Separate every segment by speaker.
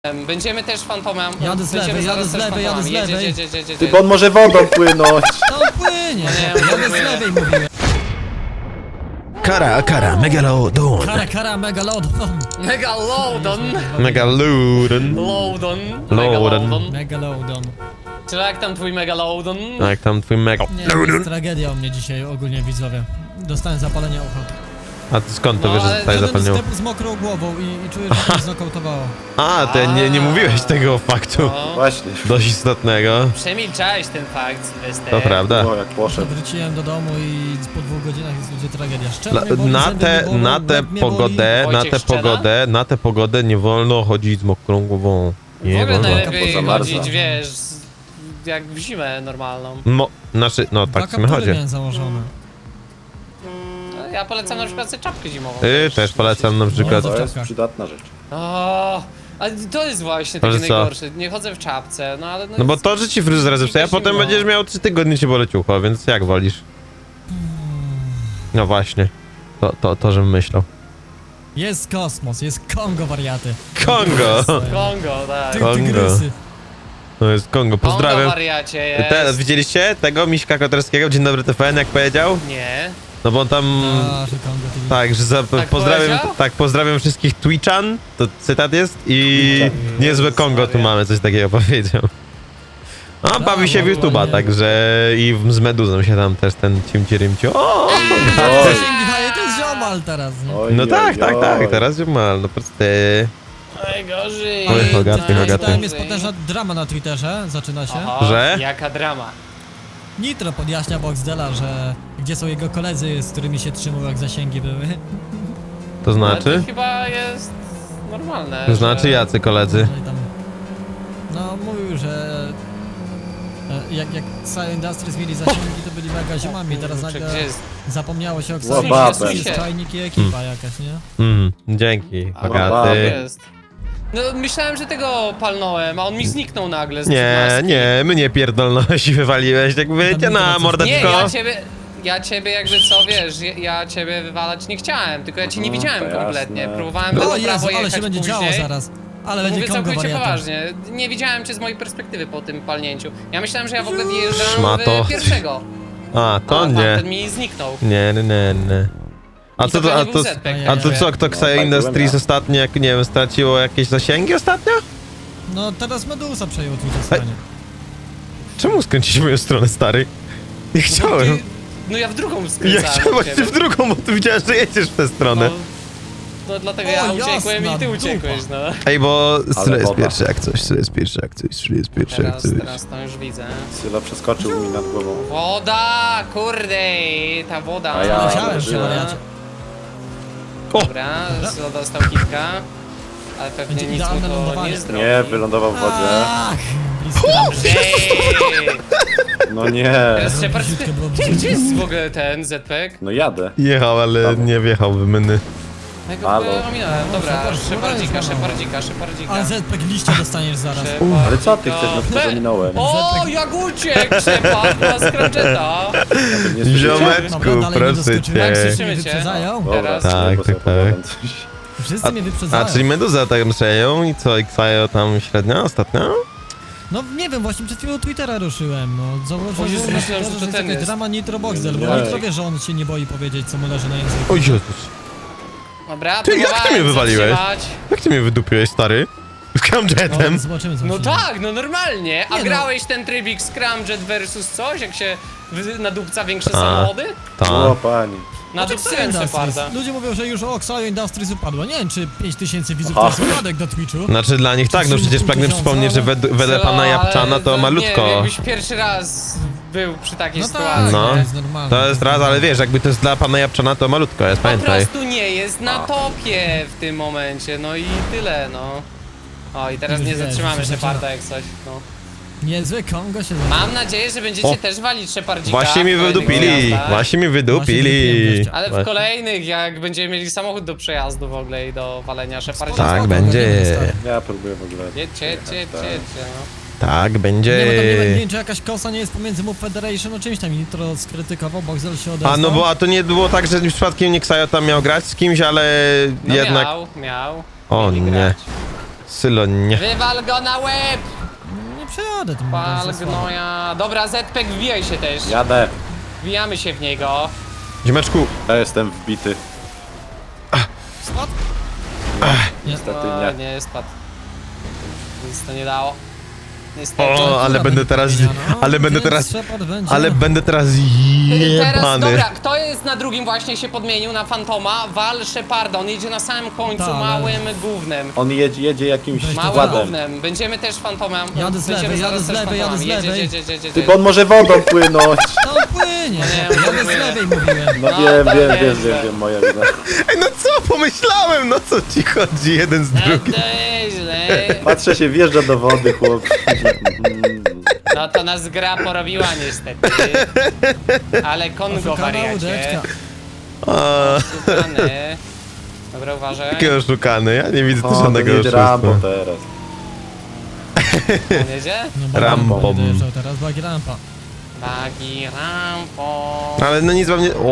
Speaker 1: Będziemy też fantomem.
Speaker 2: Jadę z lewej, jadę z lewej, jadę z lewej.
Speaker 3: Ty, bo on może wodą płynąć.
Speaker 2: To płynie,
Speaker 1: Nie,
Speaker 2: jadę z lewej mówiłem.
Speaker 4: Kara, megalodon.
Speaker 2: Kara, megalodon.
Speaker 1: Megalodon.
Speaker 4: Megalodon.
Speaker 1: Lodon.
Speaker 4: Lodon.
Speaker 2: Megalodon.
Speaker 1: Czy jak tam twój megalodon?
Speaker 4: Jak tam twój
Speaker 2: Nie, jest tragedia u mnie dzisiaj ogólnie, widzowie. Dostałem zapalenia ucha.
Speaker 4: A ty skąd to
Speaker 1: No,
Speaker 4: wiesz, że
Speaker 1: ale
Speaker 4: tutaj zapalniło?
Speaker 2: Step z mokrą głową i czuję, że mnie znokautowało.
Speaker 4: A, ty nie mówiłeś tego faktu.
Speaker 1: No,
Speaker 3: Właśnie.
Speaker 4: Dość istotnego.
Speaker 1: przemilczałeś ten fakt, Sylwester.
Speaker 4: To prawda.
Speaker 3: O, jak poszedł.
Speaker 2: Wróciłem do domu i po 2 godzinach jest będzie tragedia. Szczerze mnie boli,
Speaker 4: Na
Speaker 2: zęby mnie bolą,
Speaker 4: tę
Speaker 2: łeb mnie boli.
Speaker 4: pogodę, na tę pogodę nie wolno chodzić z mokrą głową.
Speaker 1: W
Speaker 4: Nie
Speaker 1: ogóle
Speaker 4: wolno.
Speaker 1: najlepiej
Speaker 3: Pozamarza.
Speaker 1: chodzić, wiesz, jak w zimę normalną.
Speaker 4: Znaczy, no
Speaker 2: Dwa
Speaker 4: tak w sumie
Speaker 2: kaptury
Speaker 4: chodzi.
Speaker 2: miałem założone.
Speaker 1: No, ja polecam na przykład sobie czapkę zimową.
Speaker 4: Też polecam na przykład.
Speaker 3: To jest przydatna rzecz.
Speaker 1: O, ale to jest właśnie
Speaker 4: Ale
Speaker 1: takie
Speaker 4: co?
Speaker 1: najgorsze. Nie chodzę w czapce, no ale...
Speaker 4: No bo to, że ci fryzura zepsuje, a potem będziesz miał 3 tygodnie ci boleć ucho, więc jak wolisz? No właśnie. To żebym myślał.
Speaker 2: Jest kosmos, jest Kongo, wariaty.
Speaker 4: Kongo!
Speaker 1: Kongo, tak.
Speaker 4: Kongo.
Speaker 2: Tygrysy.
Speaker 4: To jest Kongo,
Speaker 1: Kongo
Speaker 4: pozdrawiam.
Speaker 1: wariacie jest.
Speaker 4: Widzieliście tego Miśka Koterskiego? Dzień dobry TVN, jak powiedział?
Speaker 1: Nie.
Speaker 4: No bo on tam...
Speaker 2: Że Kongo TV.
Speaker 4: Tak, że pozdrawiam,
Speaker 1: powiedział?
Speaker 4: tak, pozdrawiam wszystkich Twitchan, to cytat jest, i niezłe Kongo tu mamy, coś takiego powiedział. A bawi się w
Speaker 2: no,
Speaker 4: YouTube'a,
Speaker 2: ładnie.
Speaker 4: także i z Meduzą się tam też ten cimci-rymci. O!
Speaker 2: Zasięgi daje, to jest ziomal teraz, nie?
Speaker 3: Oj,
Speaker 4: No
Speaker 3: oj,
Speaker 4: tak,
Speaker 3: oj.
Speaker 4: teraz już ma, no prosty.
Speaker 1: Najgorzej.
Speaker 4: Oj, Hogaty, Hogaty.
Speaker 2: Czytałem, jest potężna drama na Twitterze, zaczyna się.
Speaker 1: Aha,
Speaker 4: Że?
Speaker 1: Jaka drama.
Speaker 2: Nitro podjaśnia Boxdela, że gdzie są jego koledzy, z którymi się trzymał, jak zasięgi były.
Speaker 4: To
Speaker 1: Ale
Speaker 4: znaczy?
Speaker 1: to chyba jest normalne.
Speaker 4: To znaczy
Speaker 1: że...
Speaker 4: jacy koledzy?
Speaker 2: Że tam, no mówił, że jak Science Industries mieli zasięgi, to byli mega ziomami, teraz
Speaker 1: Kurczę,
Speaker 2: nagle
Speaker 1: gdzie jest?
Speaker 2: zapomniało się o
Speaker 3: Łababę.
Speaker 2: Xavier, jest czajnik i ekipa jakaś, nie?
Speaker 4: Dzięki,
Speaker 1: A,
Speaker 4: Hogaty.
Speaker 1: jest. No myślałem, że tego palnąłem, a on mi zniknął nagle z
Speaker 4: Nie,
Speaker 1: maski.
Speaker 4: nie, mnie pierdolność i wywaliłeś, jak wyjdzie na
Speaker 1: Nie,
Speaker 4: mordeczko.
Speaker 1: ja ciebie jakby co, wiesz, ja ciebie wywalać nie chciałem, tylko ja cię nie widziałem
Speaker 3: to
Speaker 1: kompletnie.
Speaker 3: jasne.
Speaker 1: Próbowałem
Speaker 2: O
Speaker 1: lewo,
Speaker 2: Jezu,
Speaker 1: prawo
Speaker 2: ale
Speaker 1: jechać
Speaker 2: się będzie
Speaker 1: później.
Speaker 2: działo zaraz. Ale będzie
Speaker 1: Mówię
Speaker 2: Kongo
Speaker 1: całkowicie
Speaker 2: wariata.
Speaker 1: poważnie, nie widziałem cię z mojej perspektywy po tym palnięciu. Ja myślałem, że ja w ogóle wjeżdżam
Speaker 4: Szmato.
Speaker 1: w pierwszego.
Speaker 4: A, to
Speaker 1: A
Speaker 4: nie.
Speaker 1: tamten mi zniknął.
Speaker 4: Nie. A
Speaker 1: I
Speaker 4: co to,
Speaker 1: pewnie
Speaker 4: a
Speaker 1: był
Speaker 4: to,
Speaker 1: Zpek,
Speaker 4: a to
Speaker 1: nie
Speaker 4: co,
Speaker 1: wiem.
Speaker 4: kto
Speaker 3: No,
Speaker 4: Xayo
Speaker 3: tak,
Speaker 4: Industries
Speaker 3: byłem ja.
Speaker 4: ostatnio, jak nie wiem, straciło jakieś zasięgi ostatnio?
Speaker 2: No teraz Medusa przejął Twitter stanie.
Speaker 4: Czemu skręcić moją stronę, stary? Nie chciałem.
Speaker 1: No ja w drugą
Speaker 4: Ja
Speaker 1: skręcałem.
Speaker 4: chciałem
Speaker 1: od
Speaker 4: właśnie
Speaker 1: ciebie.
Speaker 4: w drugą, bo ty widziałeś, że jedziesz w tę stronę.
Speaker 1: No dlatego
Speaker 2: O,
Speaker 1: ja uciekłem
Speaker 2: jasna
Speaker 1: i ty
Speaker 2: dupa.
Speaker 1: uciekłeś, no.
Speaker 4: Ej, bo Sylo jest
Speaker 3: woda.
Speaker 4: pierwszy jak coś, Sylo jest pierwszy jak coś, Sylo jest pierwszy jak coś.
Speaker 1: Teraz to już widzę.
Speaker 3: Sylo przeskoczył mi nad głową.
Speaker 1: Woda, kurde, ta woda.
Speaker 3: A ja
Speaker 2: Leciałem się,
Speaker 3: uderzyłem.
Speaker 2: wariacie.
Speaker 1: Dobra, Sylo dostał kilka. Ale pewnie
Speaker 2: Będzie
Speaker 1: nic mu
Speaker 2: idealne
Speaker 1: to
Speaker 2: lądowanie.
Speaker 1: nie zrobi.
Speaker 3: Nie, wylądował w wodzie.
Speaker 2: Ach, blisko.
Speaker 1: Ej!
Speaker 3: No nie.
Speaker 1: Teraz Shepard...
Speaker 2: Brzydko było,
Speaker 1: Gdzie jest w ogóle ten ZPEG?
Speaker 3: No jadę.
Speaker 4: Jechał, ale nie wjechał w myny.
Speaker 1: Ja go
Speaker 3: Halo.
Speaker 1: ominąłem. Dobra,
Speaker 2: Shepard,
Speaker 1: Szepardzika.
Speaker 2: A ZPEG liścia dostaniesz zaraz.
Speaker 3: Ale co ty chcesz, no przecież ominąłem.
Speaker 1: O, jak uciekł Shepard na Scruncheta.
Speaker 3: Nie słyszycie?
Speaker 4: Ziomeczku,
Speaker 2: Dobra, dalej nie
Speaker 4: proszę
Speaker 2: doskoczyłem.
Speaker 1: Tak,
Speaker 4: cię.
Speaker 1: słyszymy cię.
Speaker 2: Wyprzedzają?
Speaker 3: Dobra,
Speaker 1: Teraz.
Speaker 4: Tak,
Speaker 3: bo sobie
Speaker 4: tak, tak.
Speaker 3: opowiadam coś.
Speaker 2: Wszyscy mnie wyprzedzają.
Speaker 4: A, czyli Meduza tak przejął i co, Xayo tam średnio ostatnio?
Speaker 2: No nie wiem, właśnie przed chwilą Twittera ruszyłem, no.
Speaker 1: O
Speaker 2: Zauważyłem,
Speaker 1: Jezu,
Speaker 2: że
Speaker 1: myślałem, że to
Speaker 2: jest
Speaker 1: ten
Speaker 2: jakaś
Speaker 1: jest.
Speaker 2: drama Nitro Boxdel, bo
Speaker 3: Nie.
Speaker 2: Nitro wie, że on się nie boi powiedzieć, co mu leży na języku.
Speaker 4: O Jezus.
Speaker 1: Dobra,
Speaker 4: Ty, jak ty mnie
Speaker 1: próbowałem
Speaker 4: wywaliłeś?
Speaker 1: zatrzymać.
Speaker 4: Jak ty mnie wydupiłeś, stary? Scramjetem.
Speaker 2: Zobaczymy,
Speaker 1: No
Speaker 2: zobaczymy.
Speaker 1: tak, no normalnie. A
Speaker 2: Nie no.
Speaker 1: grałeś ten trybik Scramjet versus coś, jak się nadupca większe
Speaker 4: A.
Speaker 1: samochody?
Speaker 3: O,
Speaker 4: Tak.
Speaker 3: pani.
Speaker 1: Nadupcyłem
Speaker 2: Industries.
Speaker 1: Sheparda.
Speaker 2: Ludzie mówią, że już o Xayo Industries upadło. Nie wiem, czy 5000 widzów
Speaker 3: Aha.
Speaker 2: to jest upadek na Twitchu.
Speaker 4: Znaczy dla nich tak, no przecież pragnę przypomnieć, że wedle pana Japczana to
Speaker 1: Nie wiem,
Speaker 4: malutko.
Speaker 1: jakbyś pierwszy raz był przy takiej
Speaker 2: No tak,
Speaker 1: sytuacji.
Speaker 4: No.
Speaker 2: to jest normalne.
Speaker 4: To jest raz, ale wiesz, jakby to jest dla pana Japczana, to malutko jest,
Speaker 1: Po
Speaker 4: pamiętaj.
Speaker 1: prostu nie jest na topie w tym momencie, no i tyle, no. O, i teraz
Speaker 2: Już
Speaker 1: nie
Speaker 2: wiesz,
Speaker 1: zatrzymamy
Speaker 2: już się
Speaker 1: Sheparda jak coś, no.
Speaker 2: Niezły Kongo się
Speaker 1: Mam nadzieję, że będziecie
Speaker 4: O.
Speaker 1: też walić Shepardzika.
Speaker 4: Właśnie mi
Speaker 1: w kolejnych
Speaker 4: wydupili,
Speaker 1: zjazdach.
Speaker 4: właśnie mi
Speaker 2: wydupiłem
Speaker 4: wydupili.
Speaker 2: gościa.
Speaker 1: Ale w kolejnych, jak będziemy mieli samochód do przejazdu w ogóle i do walenia Shepardzika.
Speaker 4: Tak
Speaker 2: Spoko,
Speaker 4: będzie,
Speaker 2: stary.
Speaker 3: Ja próbuję w ogóle.
Speaker 1: Jedźcie, no.
Speaker 4: tak
Speaker 2: Nie, bo tam nie
Speaker 4: będzie.
Speaker 2: wiem, czy jakaś kosa nie jest pomiędzy Move Federation, o czymś tam Nitro skrytykował, Boxdel się odezwał.
Speaker 4: A no bo, a to nie było tak, że przypadkiem nie Xayo tam miał grać z kimś, ale
Speaker 1: No
Speaker 4: jednak...
Speaker 1: miał.
Speaker 4: O
Speaker 1: Mieli
Speaker 4: nie.
Speaker 1: grać.
Speaker 4: Sylo, nie.
Speaker 1: Wywal go na łeb!
Speaker 2: Nie przejadę tym.
Speaker 1: Pal gnoja. Dobra, Zpek, wbijaj się też.
Speaker 3: Jadę.
Speaker 1: Wbijamy się w niego.
Speaker 4: Ziomeczku,
Speaker 3: Ja jestem wbity.
Speaker 2: Spadł?
Speaker 3: Niestety
Speaker 1: O,
Speaker 3: nie.
Speaker 1: nie, spadł. Nic to nie dało. Niestety.
Speaker 4: o, ale będę teraz, ale będę teraz,
Speaker 2: Shepard będzie.
Speaker 4: ale będę teraz
Speaker 1: Teraz,
Speaker 4: jebany.
Speaker 1: dobra, kto jest na drugim właśnie się podmienił na Fantoma? Wal Sheparda, on jedzie na samym końcu
Speaker 2: Tak, ale-
Speaker 1: małym gównem.
Speaker 3: On jedzie jakimś
Speaker 1: Małym
Speaker 3: składem.
Speaker 1: gównem. Będziemy też Fantomem.
Speaker 2: Jadę z
Speaker 1: Będziemy
Speaker 2: lewej,
Speaker 1: zaraz
Speaker 2: jadę z
Speaker 1: też
Speaker 2: lewej, jadę z
Speaker 1: Fantomami.
Speaker 2: lewej.
Speaker 1: Jedź.
Speaker 3: Ty, bo on może wodą płynąć.
Speaker 2: Tam płynie.
Speaker 1: nie,
Speaker 2: Jadę z
Speaker 1: mówię.
Speaker 2: lewej mówiłem.
Speaker 3: No
Speaker 1: No,
Speaker 3: wiem,
Speaker 1: to
Speaker 3: wiem,
Speaker 1: nieźle.
Speaker 3: wiem, moja wina.
Speaker 4: Ej, no co, pomyślałem, no co ci chodzi jeden z
Speaker 1: No
Speaker 4: drugim.
Speaker 1: to nieźle.
Speaker 3: Patrzę się, wjeżdża do wody, chłop.
Speaker 1: No to nas gra porobiła niestety. Ale Kongo
Speaker 2: Oszukana
Speaker 1: wariacie.
Speaker 2: łódeczka.
Speaker 4: A,
Speaker 1: Oszukany. Dobra, uważaj.
Speaker 4: jaki oszukany, ja nie widzę tu
Speaker 3: O,
Speaker 4: żadnego
Speaker 3: to jedzie Rambo
Speaker 4: oszustwa.
Speaker 3: teraz.
Speaker 1: On jedzie?
Speaker 2: No bo
Speaker 4: Rampą.
Speaker 2: Rambo dojeżdżał teraz, bagi rampa.
Speaker 1: Bagi rampo.
Speaker 4: Ale no nic wam nie...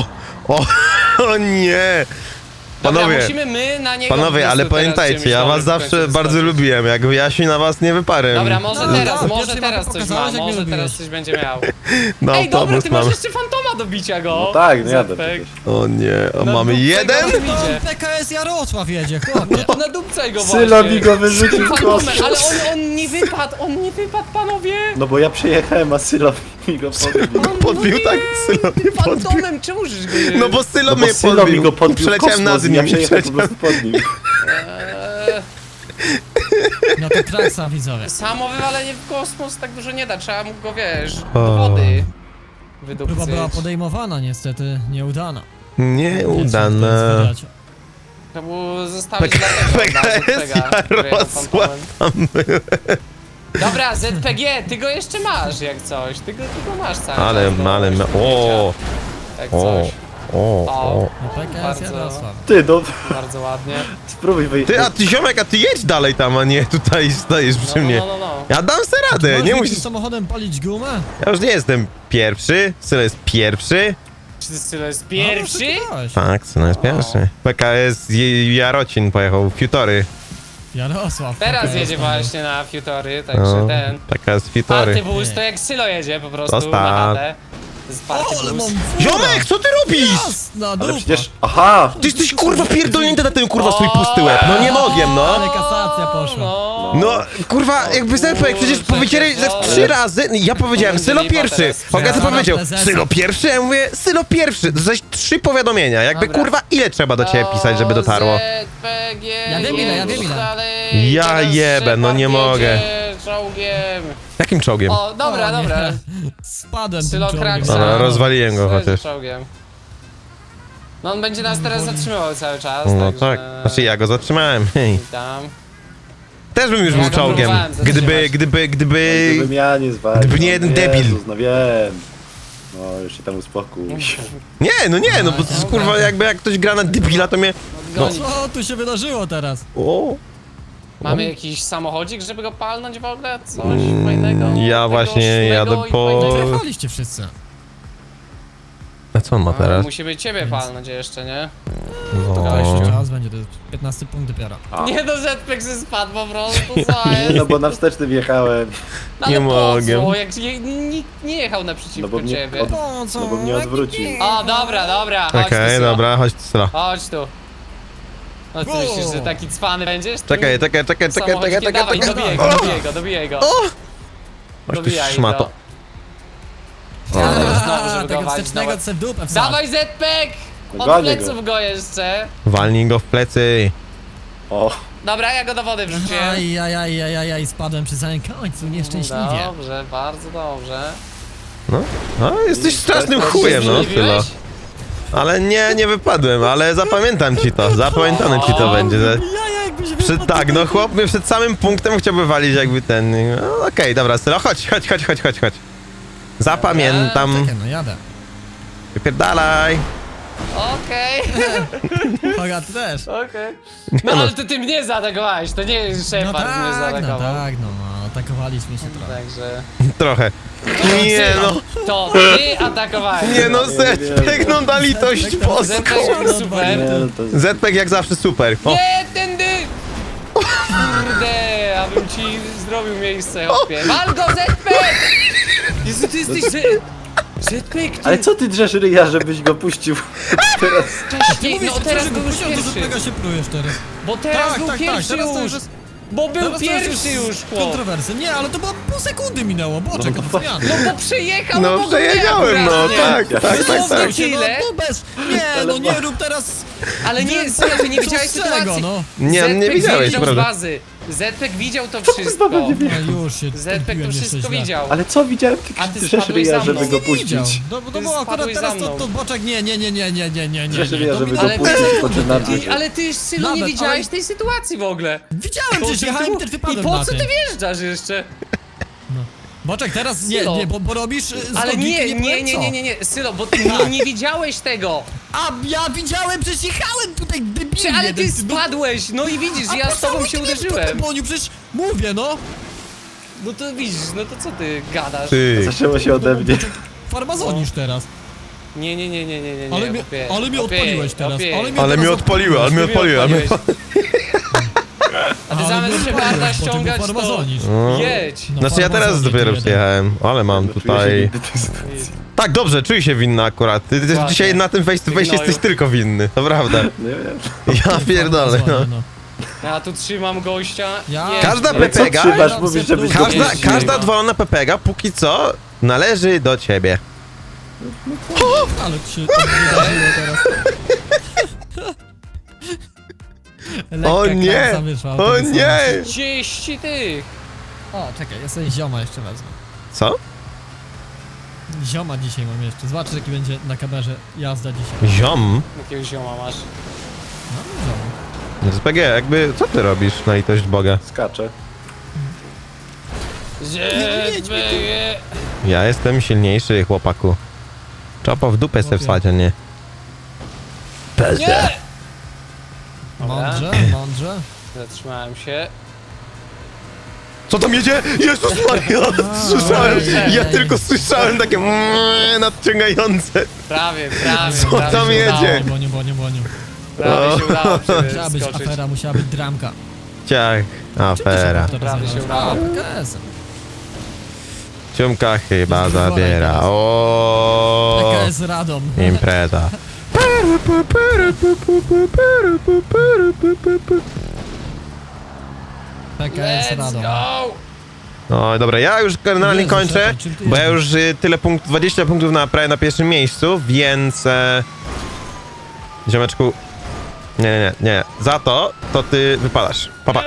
Speaker 4: O nie!
Speaker 1: Dobra,
Speaker 4: Panowie,
Speaker 1: musimy my na niego
Speaker 4: panowie, ale
Speaker 1: po prostu teraz
Speaker 4: pamiętajcie,
Speaker 1: czymś
Speaker 4: ja
Speaker 1: dobrym
Speaker 4: was
Speaker 1: w
Speaker 4: zawsze
Speaker 1: końcu
Speaker 4: bardzo
Speaker 1: wyskoczyć.
Speaker 4: lubiłem, jak Jasiu na was nie wyparłem.
Speaker 1: Dobra, może
Speaker 2: No,
Speaker 1: teraz,
Speaker 2: tak,
Speaker 1: może
Speaker 2: pierwszej
Speaker 1: teraz
Speaker 2: mapie
Speaker 1: coś ma,
Speaker 2: pokazałeś, jak mnie
Speaker 1: może teraz
Speaker 2: lubiłeś.
Speaker 1: coś będzie miał.
Speaker 4: No
Speaker 1: Ej, dobra,
Speaker 4: autobus
Speaker 1: ty masz
Speaker 4: mamy.
Speaker 1: jeszcze Fantoma do bicia go.
Speaker 3: No tak, no jadę
Speaker 1: Zpek.
Speaker 3: przecież.
Speaker 4: O nie, o,
Speaker 1: No,
Speaker 4: mamy
Speaker 1: no,
Speaker 4: jeden?
Speaker 1: tego-
Speaker 2: To
Speaker 1: Idzie.
Speaker 2: PKS Jarosław jedzie, chłopie.
Speaker 1: To nadupcaj go właśnie.
Speaker 3: Sylo mi go wyrzucił w
Speaker 1: Fantomem,
Speaker 3: kosmos.
Speaker 1: ale on nie wypadł, panowie.
Speaker 3: No bo ja przyjechałem, a Sylo mi go podbił.
Speaker 1: On
Speaker 4: Podbił
Speaker 1: mówi,
Speaker 4: tak, Sylo mnie podbił.
Speaker 1: Fantomem, czemu żeś go nie...
Speaker 4: No bo Sylo
Speaker 3: No bo
Speaker 4: mnie
Speaker 3: Sylo mi go podbił w
Speaker 4: Przeleciałem
Speaker 3: kosmos
Speaker 4: nad
Speaker 3: i ja
Speaker 4: nim,
Speaker 3: przyjechałem po prostu pod nim.
Speaker 1: Eee,
Speaker 2: No to traksa widzowie.
Speaker 1: Samo wywalenie w kosmos tak dużo nie da, trzeba mu go, wiesz,
Speaker 4: O.
Speaker 1: do wody
Speaker 2: Próba
Speaker 1: wydupcyć.
Speaker 2: była podejmowana, niestety nieudana.
Speaker 4: Nieudane.
Speaker 1: To był zostałeś
Speaker 4: PKS Jarosław tam był.
Speaker 1: Dobra, ZPG, ty go jeszcze masz jak coś, ty go masz cały
Speaker 4: Ale,
Speaker 1: czas, no,
Speaker 4: ale,
Speaker 1: jeszcze
Speaker 4: o,
Speaker 1: tak
Speaker 4: o,
Speaker 1: coś.
Speaker 4: o.
Speaker 2: No PKS
Speaker 1: Bardzo.
Speaker 2: Jarosław.
Speaker 3: Ty, no
Speaker 1: Bardzo ładnie.
Speaker 3: spróbuj wyjść.
Speaker 4: Ty, a ty ziomek, a ty jedź dalej tam, a nie tutaj stoisz przy mnie.
Speaker 1: No.
Speaker 4: Ja dam se radę,
Speaker 2: Możesz
Speaker 4: nie
Speaker 2: mi
Speaker 4: musisz...
Speaker 2: tym samochodem palić gumę?
Speaker 4: Ja już nie jestem pierwszy, Sylo jest pierwszy.
Speaker 1: Czy Sylo jest
Speaker 2: No,
Speaker 1: pierwszy?
Speaker 2: oszukałeś.
Speaker 4: Tak, Sylo jest pierwszy. PKS Jarocin pojechał, Futory.
Speaker 2: Jarosław.
Speaker 1: Teraz
Speaker 2: PKS
Speaker 1: jedzie
Speaker 2: palił.
Speaker 1: właśnie na Futory, także
Speaker 4: No,
Speaker 1: ten.
Speaker 4: PKS
Speaker 1: Party
Speaker 4: Futory.
Speaker 1: boost to jak Sylo jedzie po prostu
Speaker 4: Zostaw.
Speaker 1: na chatę. Z party
Speaker 2: O, ale mam
Speaker 1: boost.
Speaker 2: fura.
Speaker 4: Ziomek, co ty robisz?
Speaker 2: Jasna
Speaker 3: Ale
Speaker 2: dupa.
Speaker 3: przecież... Aha!
Speaker 4: Ty jesteś kurwa pierdolnięty na ten kurwa swój pusty łeb. No nie mogłem, no.
Speaker 2: Ale kasacja poszła.
Speaker 4: No, kurwa, jakby Zepek, przecież
Speaker 1: kurczę,
Speaker 4: powiedzieli ze
Speaker 1: no.
Speaker 4: 3 razy, ja powiedziałem
Speaker 1: Będzie
Speaker 4: Sylo
Speaker 1: lipa
Speaker 4: pierwszy,
Speaker 1: teraz.
Speaker 4: Hogaty
Speaker 2: Zaraz
Speaker 4: powiedział
Speaker 2: prezesa.
Speaker 4: Sylo pierwszy, ja mówię Sylo pierwszy, to zaś 3 powiadomienia, jakby
Speaker 1: Dobra.
Speaker 4: kurwa ile trzeba do ciebie pisać, żeby dotarło.
Speaker 1: ZPG,
Speaker 2: Ja wiem ile, ja wiem ile.
Speaker 1: dalej,
Speaker 4: Ja
Speaker 1: teraz
Speaker 4: jebę, no nie
Speaker 1: Shepard
Speaker 4: mogę.
Speaker 1: jedzie Czołgiem.
Speaker 4: Jakim czołgiem?
Speaker 1: O, dobra,
Speaker 2: O, nie.
Speaker 1: dobra.
Speaker 2: Spadłem tym
Speaker 1: Sylo
Speaker 2: czołgiem.
Speaker 1: Kraksa.
Speaker 4: Dobra, rozwaliłem go
Speaker 1: Sylo
Speaker 4: chociaż.
Speaker 1: Czołgiem. No on będzie nas teraz zatrzymywał cały czas,
Speaker 4: No
Speaker 1: także...
Speaker 4: tak, znaczy ja go zatrzymałem, hej.
Speaker 1: Tam.
Speaker 4: Też bym już
Speaker 1: Ja
Speaker 4: był
Speaker 1: go
Speaker 4: czołgiem,
Speaker 1: próbowałem zatrzymać.
Speaker 3: Gdybym ja nie zwalił.
Speaker 4: gdyby nie jeden
Speaker 3: no,
Speaker 4: debil.
Speaker 3: Jezus, no wiem. No już się tam uspokój.
Speaker 4: Nie, no bo to jest, kurwa jakby jak ktoś gra na debila to mnie...
Speaker 1: Odgonić.
Speaker 2: Co tu się wydarzyło teraz?
Speaker 4: O.
Speaker 1: Mamy jakiś samochodzik, żeby go palnąć w ogóle? Coś fajnego?
Speaker 4: Ja
Speaker 1: Tego
Speaker 4: właśnie
Speaker 1: szumnego
Speaker 4: jadę
Speaker 1: i
Speaker 4: po-
Speaker 1: fajnego?
Speaker 2: Wyjechaliście wszyscy.
Speaker 4: A co on ma
Speaker 1: A,
Speaker 4: teraz?
Speaker 1: musimy ciebie palnąć jeszcze, nie?
Speaker 4: No.
Speaker 2: Jeszcze czas będzie, to jest 15 punkt dopiero.
Speaker 3: A.
Speaker 1: Nie no, Zpek ze spadł po prostu, co
Speaker 3: Nie,
Speaker 1: jest?
Speaker 3: no bo na wsteczny wjechałem.
Speaker 1: No, ale
Speaker 4: nie
Speaker 1: po
Speaker 4: mogę.
Speaker 1: co? Jak nikt nie jechał naprzeciwko
Speaker 3: No bo mnie
Speaker 1: ciebie.
Speaker 3: od-
Speaker 2: Po co?
Speaker 3: No bo mnie odwrócił.
Speaker 1: O, dobra, chodź
Speaker 4: Okej,
Speaker 1: tu, Sylo.
Speaker 4: dobra, chodź tu Sylo.
Speaker 1: Chodź tu. No ty
Speaker 2: O.
Speaker 1: myślisz, że taki cwany będziesz?
Speaker 4: Czekaj,
Speaker 1: Samochodzikiem, dawaj, dobijaj go.
Speaker 4: Chodź tu
Speaker 1: Dobijaj
Speaker 4: szmato.
Speaker 1: go. Znowu,
Speaker 2: A,
Speaker 1: żeby
Speaker 2: tego
Speaker 1: go walić,
Speaker 2: wstecznego
Speaker 1: dawaj.
Speaker 2: se w dupę wsadź.
Speaker 1: Dawaj Zpek!
Speaker 3: No
Speaker 1: Od
Speaker 3: gonię
Speaker 1: pleców go jeszcze.
Speaker 4: Walnij go w plecy.
Speaker 3: O,
Speaker 1: Dobra, ja go do wody wrzuciłem.
Speaker 2: Aj, spadłem przy samym końcu, nieszczęśliwie.
Speaker 1: Dobrze, bardzo dobrze.
Speaker 4: No, jesteś strasznym
Speaker 3: Się
Speaker 4: chujem, no
Speaker 1: Zdziwiłeś?
Speaker 4: Sylo. Ale nie wypadłem, ale zapamiętam ci to, zapamiętane ci to będzie. Że
Speaker 2: Ja jakbyś wypadł,
Speaker 4: tak, no chłop mnie przed samym punktem chciałby walić jakby ten... No, okej, dobra Sylo, chodź. Zapamiętam.
Speaker 2: Czekaj, no jadę.
Speaker 4: Wypierdalaj.
Speaker 1: Okej,
Speaker 2: Hoga, ty też.
Speaker 1: okej. No ale to ty mnie zaatakowałeś, to nie
Speaker 2: No
Speaker 1: Shepard mnie
Speaker 2: tak,
Speaker 1: zaatakował.
Speaker 2: no atakowaliśmy się trochę.
Speaker 1: Także...
Speaker 4: Trochę. Nie no,
Speaker 1: To ty atakowałeś.
Speaker 4: nie no,
Speaker 3: nie
Speaker 4: Zpek, no na litość boską.
Speaker 1: Zpek super.
Speaker 3: nie, no to...
Speaker 4: Zpek jak zawsze super. O,
Speaker 1: Nie, tędy! Kurde, abym ci zrobił miejsce, chłopie. Wal go, Zpek! Jezu, ty jesteś Zpek, ty...
Speaker 3: Ale co ty drzesz ryja, żebyś go puścił teraz?
Speaker 1: Wcześniej, no teraz
Speaker 2: go
Speaker 1: był już
Speaker 2: puściłem, to
Speaker 1: pierwszy.
Speaker 2: Zpeka się plujesz teraz.
Speaker 1: Bo teraz był pierwszy
Speaker 2: teraz to
Speaker 1: już.
Speaker 2: jest...
Speaker 1: Bo był
Speaker 2: Teraz to
Speaker 1: pierwszy już, chłop.
Speaker 2: kontrowersja. Nie, ale to było pół sekundy minęło, boczek,
Speaker 3: No,
Speaker 2: no, zmiany.
Speaker 1: No bo przejechał
Speaker 4: No
Speaker 1: obok mnie
Speaker 4: przejedziałem, no
Speaker 1: akurat, nie?
Speaker 4: tak, tak, tak,
Speaker 1: Dosłownie
Speaker 4: tak.
Speaker 1: tyle.
Speaker 2: No bez... Nie, no nie rób teraz...
Speaker 1: Ale nie, serio, ty nie widziałeś
Speaker 2: z czego,
Speaker 1: sytuacji.
Speaker 2: no?
Speaker 4: Nie, nie
Speaker 1: Zpek
Speaker 4: widziałeś,
Speaker 1: zjeżdżał z
Speaker 4: prawda?
Speaker 1: bazy. Zpek widział to wszystko.
Speaker 3: kurwa będzie
Speaker 2: No już się
Speaker 1: Zpek to
Speaker 2: odbiłem jeszcze
Speaker 1: wszystko
Speaker 2: źle.
Speaker 1: widział.
Speaker 3: Ale co widziałem,
Speaker 1: A
Speaker 3: ty
Speaker 1: ty
Speaker 3: drzesz
Speaker 1: spadłeś
Speaker 3: ryja,
Speaker 1: za
Speaker 3: żeby
Speaker 1: mną.
Speaker 3: go
Speaker 2: Nie widział.
Speaker 3: puścić.
Speaker 2: No
Speaker 1: Ty
Speaker 2: bo akurat
Speaker 1: spadłeś
Speaker 2: teraz
Speaker 1: za mną.
Speaker 2: to boczek nie.
Speaker 3: Drzesz ryja,
Speaker 2: To
Speaker 3: żeby
Speaker 2: mi-
Speaker 3: go
Speaker 1: Ale
Speaker 3: puścić
Speaker 1: teraz-
Speaker 3: po czynarce.
Speaker 1: Ale ty, Sylo, nie
Speaker 2: Nawet,
Speaker 1: widziałeś
Speaker 2: ale-
Speaker 1: tej sytuacji w ogóle.
Speaker 2: Widziałem, przecież
Speaker 1: ty
Speaker 2: jechałem
Speaker 1: tu-
Speaker 2: też
Speaker 1: I
Speaker 2: wypadłem
Speaker 1: po
Speaker 2: na
Speaker 1: co
Speaker 2: tym.
Speaker 1: ty wjeżdżasz jeszcze?
Speaker 2: Boczek, teraz nie,
Speaker 1: Sylo.
Speaker 2: bo robisz z
Speaker 1: Ale
Speaker 2: logiki
Speaker 1: nie,
Speaker 2: powiem co.
Speaker 1: nie, Sylo, bo ty nie widziałeś tego.
Speaker 2: A ja widziałem, przecież jechałem tutaj debilnie.
Speaker 1: Ale ty
Speaker 2: no-
Speaker 1: spadłeś, no i widzisz,
Speaker 2: A
Speaker 1: ja
Speaker 2: po
Speaker 1: z
Speaker 2: co
Speaker 1: tobą
Speaker 2: ty
Speaker 1: się
Speaker 2: mnie
Speaker 1: uderzyłem.
Speaker 2: Boniu, przecież mówię, no.
Speaker 1: No to widzisz, no to co ty gadasz?
Speaker 4: Ty.
Speaker 3: Zaczęło się ode mnie.
Speaker 2: Farmazonisz teraz.
Speaker 1: Nie,
Speaker 2: Ale mnie-
Speaker 1: chłopie,
Speaker 2: ale mnie
Speaker 1: chłopie,
Speaker 2: odpaliłeś teraz,
Speaker 1: chłopie.
Speaker 2: ale mnie-
Speaker 4: Ale mnie odpaliły, ale mnie odpaliły, ale mnie...
Speaker 1: A ty
Speaker 2: Ale
Speaker 1: zamiast
Speaker 2: mnie
Speaker 1: Szeparda
Speaker 2: odpaliłeś, bo ty
Speaker 1: ściągać,
Speaker 2: był
Speaker 1: to
Speaker 2: farmazonisz.
Speaker 1: jedź.
Speaker 2: No,
Speaker 4: Znaczy ja teraz
Speaker 2: farmazonisz
Speaker 4: dopiero
Speaker 2: jeden.
Speaker 4: przyjechałem, ale mam
Speaker 3: Czuję się
Speaker 4: tutaj...
Speaker 3: nigdy tej sytuacji.
Speaker 4: Tak, dobrze, czuję się winny akurat. Ty
Speaker 1: Ładnie.
Speaker 4: dzisiaj na tym face to face
Speaker 1: Gnoju.
Speaker 4: jesteś tylko winny, to prawda.
Speaker 3: Nie wiem.
Speaker 4: Ja pierdolę, no.
Speaker 2: Farmazony,
Speaker 1: Ja tu trzymam gościa.
Speaker 2: Ja-
Speaker 1: jedź.
Speaker 4: Każda
Speaker 3: Ale co
Speaker 4: pepega,
Speaker 3: trzymasz, mówisz, żebyś go
Speaker 4: każda,
Speaker 3: puścił?
Speaker 4: każda odwalona pepega póki co należy do ciebie.
Speaker 2: Ale ci się to wydarzyło teraz. Lekka
Speaker 4: O nie!
Speaker 2: klamsa wyszła
Speaker 4: O
Speaker 2: autobusowa.
Speaker 4: nie!
Speaker 1: 30 tych.
Speaker 2: O, czekaj, ja sobie zioma jeszcze wezmę.
Speaker 4: Co?
Speaker 2: Zioma dzisiaj mam jeszcze. Zobaczę, jaki będzie na kamerze jazda dzisiaj.
Speaker 4: Ziom?
Speaker 1: Jakiego zioma masz?
Speaker 2: No, zioma.
Speaker 4: SPG, jakby, co ty robisz na litość Boga?
Speaker 3: Skacze.
Speaker 1: Zjedźmy.
Speaker 4: Ja jestem silniejszy, chłopaku. Czopo w dupę se
Speaker 2: Chłopie.
Speaker 4: wsadź, a nie.
Speaker 1: Nie!
Speaker 2: Mądrze, mądrze.
Speaker 1: Zatrzymałem się.
Speaker 4: Co tam jedzie? Jezus Maria! Słyszałem, ja tylko słyszałem takie nadciągające.
Speaker 1: Prawie,
Speaker 4: Co
Speaker 1: prawie
Speaker 4: tam
Speaker 1: się
Speaker 4: jedzie?
Speaker 2: Boniu.
Speaker 1: Prawie się udało
Speaker 2: Musiała być
Speaker 1: przeskoczyć.
Speaker 2: afera, musiała być dramka.
Speaker 4: Ciach, afera.
Speaker 1: Prawie się udało.
Speaker 2: PKS-em.
Speaker 4: Ciumka chyba
Speaker 2: Jest wyborem
Speaker 4: zabiera.
Speaker 2: teraz.
Speaker 4: O,
Speaker 2: PKS Radom.
Speaker 4: impreza.
Speaker 2: PKS
Speaker 1: Let's
Speaker 2: Radom.
Speaker 1: go!
Speaker 4: No dobra, ja już generalnie
Speaker 2: Jezu,
Speaker 4: kończę,
Speaker 2: Shepard, czym ty
Speaker 4: bo ja
Speaker 2: jeździsz?
Speaker 4: już tyle punktów, 20 punktów prawie na pierwszym miejscu, więc... ziomeczku... Nie. Za to ty wypadasz. Papa.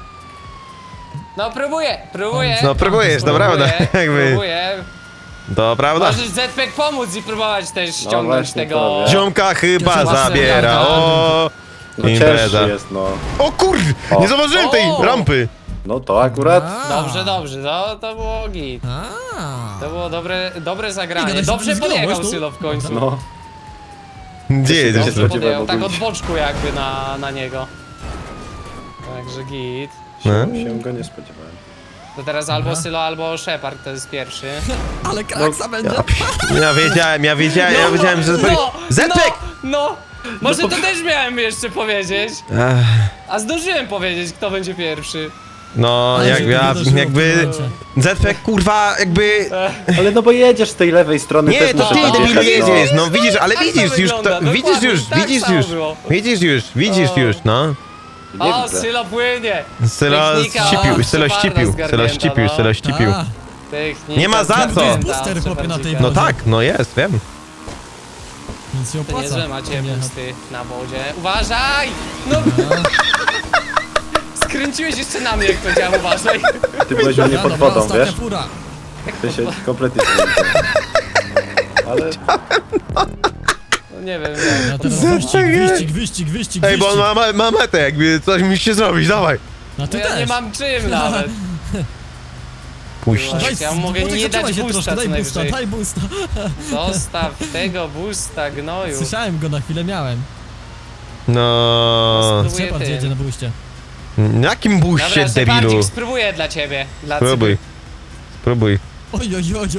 Speaker 1: No próbuję.
Speaker 4: No próbujesz, to prawda. Jakby,
Speaker 1: Próbuję.
Speaker 4: to prawda.
Speaker 1: Możesz Zpek pomóc i próbować też ściągnąć
Speaker 3: właśnie,
Speaker 1: tego...
Speaker 3: to wiem.
Speaker 4: Ziomka chyba
Speaker 2: Jezu,
Speaker 4: zabiera.
Speaker 2: właśnie,
Speaker 4: O,
Speaker 3: No
Speaker 4: impreza.
Speaker 3: cięższy jest, no.
Speaker 4: O kur...
Speaker 3: O.
Speaker 4: Nie zauważyłem tej
Speaker 1: O.
Speaker 4: rampy.
Speaker 3: No to akurat.
Speaker 1: Dobrze, to było git.
Speaker 2: A.
Speaker 1: To było dobre
Speaker 2: Nie
Speaker 1: zagranie.
Speaker 2: gadaj,
Speaker 1: Dobrze
Speaker 2: że ty
Speaker 1: podjechał
Speaker 2: zginąłeś tu?
Speaker 1: Sylo w końcu.
Speaker 3: No.
Speaker 4: Gdzie jedziesz?
Speaker 3: Dobrze.
Speaker 4: tu?
Speaker 1: Dobrze podjechał,
Speaker 3: Spodziewałem
Speaker 1: tak od
Speaker 3: ogólnie.
Speaker 1: boczku jakby na niego. Także git.
Speaker 4: No.
Speaker 3: Się go nie spodziewałem.
Speaker 1: To teraz albo Sylo, albo Shepard to jest pierwszy.
Speaker 2: Ale kraksa będzie.
Speaker 4: Ja wiedziałem, że... Zetek!
Speaker 1: No! Może to też miałem jeszcze powiedzieć.
Speaker 4: Ech,
Speaker 1: A zdążyłem powiedzieć, kto będzie pierwszy.
Speaker 4: No,
Speaker 2: Ale się to wydarzyło w
Speaker 4: jakby...
Speaker 2: tym momencie.
Speaker 4: Zetek, kurwa, jakby...
Speaker 3: Ale no bo jedziesz z tej lewej strony,
Speaker 4: Nie,
Speaker 3: też
Speaker 4: to
Speaker 3: muszę
Speaker 4: ty
Speaker 3: podjechać,
Speaker 4: debilu
Speaker 3: no.
Speaker 4: jedziesz, no widzisz, ale
Speaker 1: Tak to
Speaker 4: widzisz już,
Speaker 1: wygląda,
Speaker 4: to, widzisz
Speaker 1: dokładnie,
Speaker 4: już,
Speaker 1: tak
Speaker 4: widzisz
Speaker 1: samo
Speaker 4: już,
Speaker 1: było.
Speaker 4: widzisz już, no.
Speaker 3: Nie
Speaker 1: O,
Speaker 3: widzę.
Speaker 1: Sylo płynie!
Speaker 4: Sylo
Speaker 1: Technika
Speaker 4: ścipił,
Speaker 1: od Sheparda zgarnięta,
Speaker 4: Sylo ścipił.
Speaker 2: A,
Speaker 1: Technika
Speaker 4: Nie ma za co.
Speaker 1: zgarnięta
Speaker 2: Booster,
Speaker 1: od
Speaker 2: chłopie, na tej
Speaker 1: Shepardika.
Speaker 4: No tak, no jest, wiem.
Speaker 2: Więc się
Speaker 1: To
Speaker 2: opłaca.
Speaker 1: niezłe macie
Speaker 2: Nie,
Speaker 1: busty na wodzie. Uważaj! No, skręciłeś jeszcze na mnie, jak powiedziałem uważaj.
Speaker 3: Ty byłeś u mnie
Speaker 2: Dobra,
Speaker 3: pod wodą,
Speaker 2: ostatnia
Speaker 3: wiesz?
Speaker 2: fura.
Speaker 3: Ty się kompletnie nie widzę. Ale
Speaker 1: No nie wiem,
Speaker 2: Ja
Speaker 1: jak.
Speaker 2: teraz wyścig.
Speaker 4: Ej, bo on ma metę, jakby coś musicie zrobić, dawaj.
Speaker 2: No ty
Speaker 1: No ja
Speaker 2: też.
Speaker 1: nie mam czym nawet.
Speaker 4: Puść.
Speaker 1: Daj, ja mogę
Speaker 2: Boczek,
Speaker 1: nie dać
Speaker 2: zatrzymaj się
Speaker 1: boosta
Speaker 2: troszkę,
Speaker 1: co
Speaker 2: daj boosta,
Speaker 1: najwyżej.
Speaker 2: daj boosta.
Speaker 1: Zostaw tego boosta, gnoju.
Speaker 2: Słyszałem go, na chwilę miałem.
Speaker 4: No...
Speaker 1: Spróbuję
Speaker 2: Shepard
Speaker 1: tym.
Speaker 2: jedzie na booście.
Speaker 4: Jakim buście,
Speaker 1: Dobra,
Speaker 4: debilu?
Speaker 1: Shepardzik, spróbuję dla ciebie. Dla
Speaker 4: Spróbuj. Spróbuj.
Speaker 2: Oj.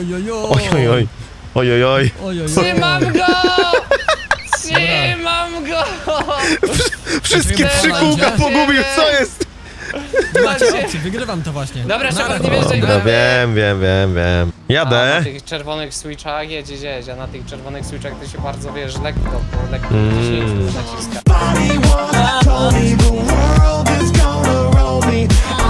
Speaker 4: Ojojoj.
Speaker 1: Trzymam go! Trzymam go!
Speaker 4: Wszystkie
Speaker 2: Trzymaj
Speaker 4: trzy kółka
Speaker 2: się.
Speaker 4: pogubił, co jest?
Speaker 2: Nie macie
Speaker 1: Macie.
Speaker 2: opcji, wygrywam to właśnie.
Speaker 1: Dobra,
Speaker 2: Nara.
Speaker 1: Shepard, nie wierzę,
Speaker 4: No wiem.
Speaker 1: A
Speaker 4: Jadę.
Speaker 1: na tych czerwonych switchach jedź, a na tych czerwonych switchach to się bardzo, wiesz, lekko, po lekko 10 naciska.
Speaker 5: Told me the world is gonna roll me.